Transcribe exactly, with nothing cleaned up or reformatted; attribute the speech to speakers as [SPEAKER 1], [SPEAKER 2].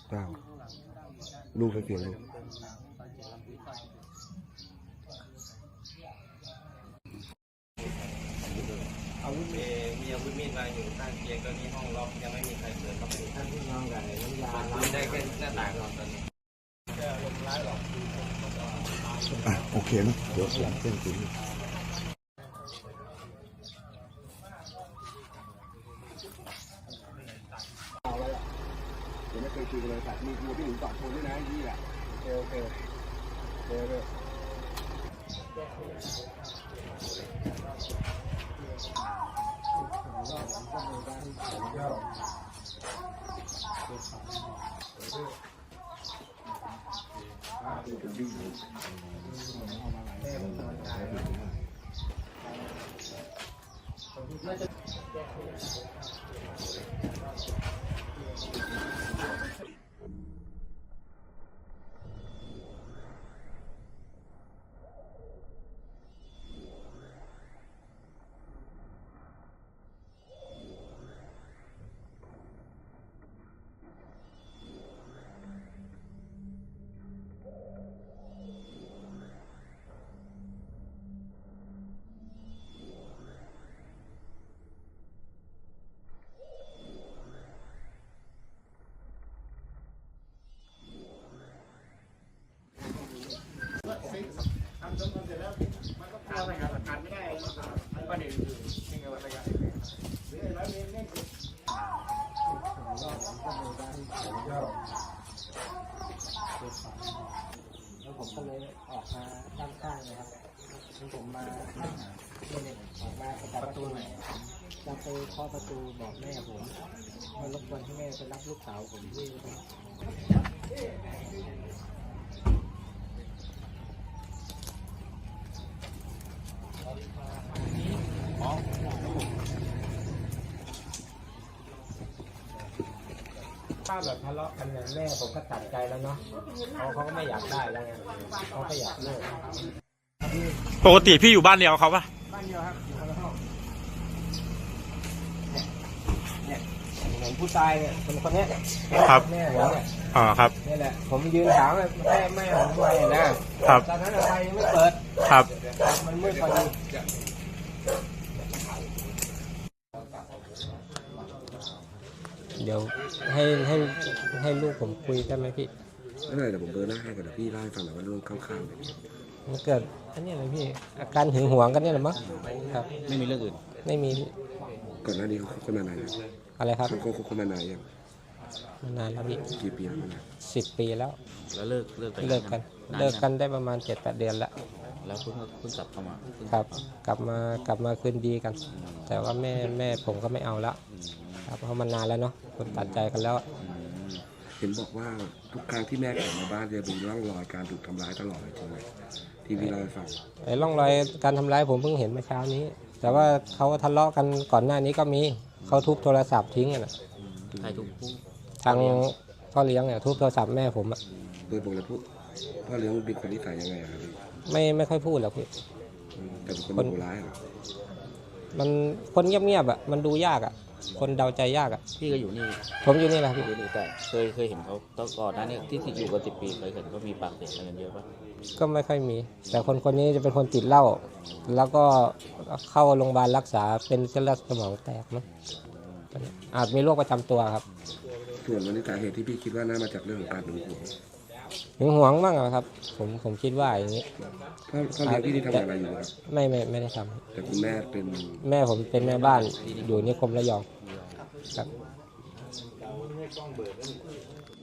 [SPEAKER 1] เก้าลูกใครเสียงลูก
[SPEAKER 2] อาวุธมีมีอาวุธมีดวางอยู่ข้างเตียงตอนนี้ห้องล็อกยังไม่มีใครเปิดเข้าไปท่านที่นอนกันน้ำยาล้างได้แค่หน้าต่างนอนตอนนี้จะลมร้ายหรอก
[SPEAKER 1] อ่ะโอเคนะเดี๋ยวหลังเส้นถึงเดี๋ยวไม่เคยคุยกันเลยแต่มีมีพี่หนุ่มตอบโทรด้วยนะยี่แหละโอเคโอเคเดี๋ยวเดี๋ยว
[SPEAKER 3] แล้วผมก็เลยออกมาด้านข้างนะครับแล้วผมมาเนี่ยออกมาประตูไหนจะไปเคาะประตูบอกแม่ผมมารบกวนให้แม่ไปรับลูกสาวผมที่ถ้าแบบทะเลาะกันเนี่ยแม่ผมก็ตัดใจแล้วเนาะเขาเขาก็ไม่อยากได้แล้วไงเขาก็อยากเลิก
[SPEAKER 4] ปกติพี่อยู่บ้านเดียวเขาปะ
[SPEAKER 3] บ้านเดียวครับอยู่คนละห้องเนี่ยเนี่ยผมผู้ตายเนี่ยคนคนนี้
[SPEAKER 4] ครับ
[SPEAKER 3] แม่ผมเนี่ย
[SPEAKER 4] อ๋อครับ
[SPEAKER 3] นี่แหละผมยืนถามแม่แม่ผมทำไมนะครับตอนนั้นไฟยังไม่เปิด
[SPEAKER 4] ครับ
[SPEAKER 3] มันมืดพอดีเดี๋ยวให้ให้ให้ลูกผมคุยได้ไหมพี่
[SPEAKER 1] ไม่เป็นไรเดี๋ยวผมเบอร์หน้าให้ก่อนเดี๋ยวพี่เล่าให้ฟังหน่อยว่าเรื่องข้างๆเนี่ย
[SPEAKER 3] มันเกิดอันนี้อะไรพี่อาการหึงหวงกันเนี่ยหรือมั้งครับ
[SPEAKER 2] ไม่มีเรื่องอื่น
[SPEAKER 3] ไม่มี
[SPEAKER 1] ก่อนหน้านี้เขาคบกันมานานยัง
[SPEAKER 3] อะไรครับ
[SPEAKER 1] เขาคบกันมานานยัง
[SPEAKER 3] มานานแล้วพี่
[SPEAKER 1] กี่ปีแล้วนะ
[SPEAKER 3] สิบปีแล้ว
[SPEAKER 2] แล้วเลิกเลิก
[SPEAKER 3] เลิกกันเลิกกันได้ประมาณเจ็ดแปดเดือนแล้ว
[SPEAKER 2] แล้วเพิ่งเพิ่งกลับเข้ามา
[SPEAKER 3] ครับกลับมากลับมาคืนดีกันแต่ว่าแม่แม่ผมก็ไม่เอาละครับเพราะมันนานแล้วเนาะคนตัดใจกันแล้ว
[SPEAKER 1] เห็นบอกว่าทุกครั้งที่แม่กลับมาบ้านจะมีร่องรอยการถูกทำร้ายตลอดเลยจริงไหมทีวีเราให้ฟัง
[SPEAKER 3] ไอ้ร่องรอยการทำร้ายผมเพิ่งเห็นเมื่อเช้านี้แต่ว่าเขาทะเลาะกันก่อนหน้านี้ก็มีเขาทุบโทรศัพท์ทิ้งอ่ะ
[SPEAKER 2] ใครทุบ
[SPEAKER 3] ทางพ่อเลี้ยงเนี่ยทุบโทรศัพท์แม่ผมอ่ะ
[SPEAKER 1] โดยปกติพูดพ่อเลี้ยงเป็นคนนิสัยยังไงครับพี่
[SPEAKER 3] ไม่ไม่ค่อยพูดหรอกพี่
[SPEAKER 1] แต่เป็นคนดุร้ายเหรอ
[SPEAKER 3] มันคนเงียบๆอ่ะมันดูยากอ่ะคนเดาใจยากอ่ะ
[SPEAKER 2] พี่ก็อยู่นี่
[SPEAKER 3] ผมอยู่นี่แหละพี่
[SPEAKER 2] แต่เคยเคยเห็นเขาตอนก่อนนั้นเนี่ยที่ติดอยู่กันสิบปีเคยเห็นเขามีปากเสียงกันเยอะปะ
[SPEAKER 3] ก็ไม่ค่อยมีแต่คนคนนี้จะเป็นคนติดเหล้าแล้วก็เข้าโรงพยาบาลรักษาเป็นเส้นเลือดสมองแตกมั้งอาจมีโรคประจำตัวครับ
[SPEAKER 1] ส่วนวันนี้สาเหตุที่พี่คิดว่าน่ามาจากเรื่องของการหึงหวง
[SPEAKER 3] หึงหวงบ้างครับผมผมคิดว่าอย่างนี้
[SPEAKER 1] พ่อพ่อเลี้ยงพี่ที่ทำอะไรอยู่ครับ
[SPEAKER 3] ไม่ไม่ไม่ได้ท
[SPEAKER 1] ำแต่คุณแม่เป็น
[SPEAKER 3] แม่ผมเป็นแม่บ้านอยู่นิคมระยองครับ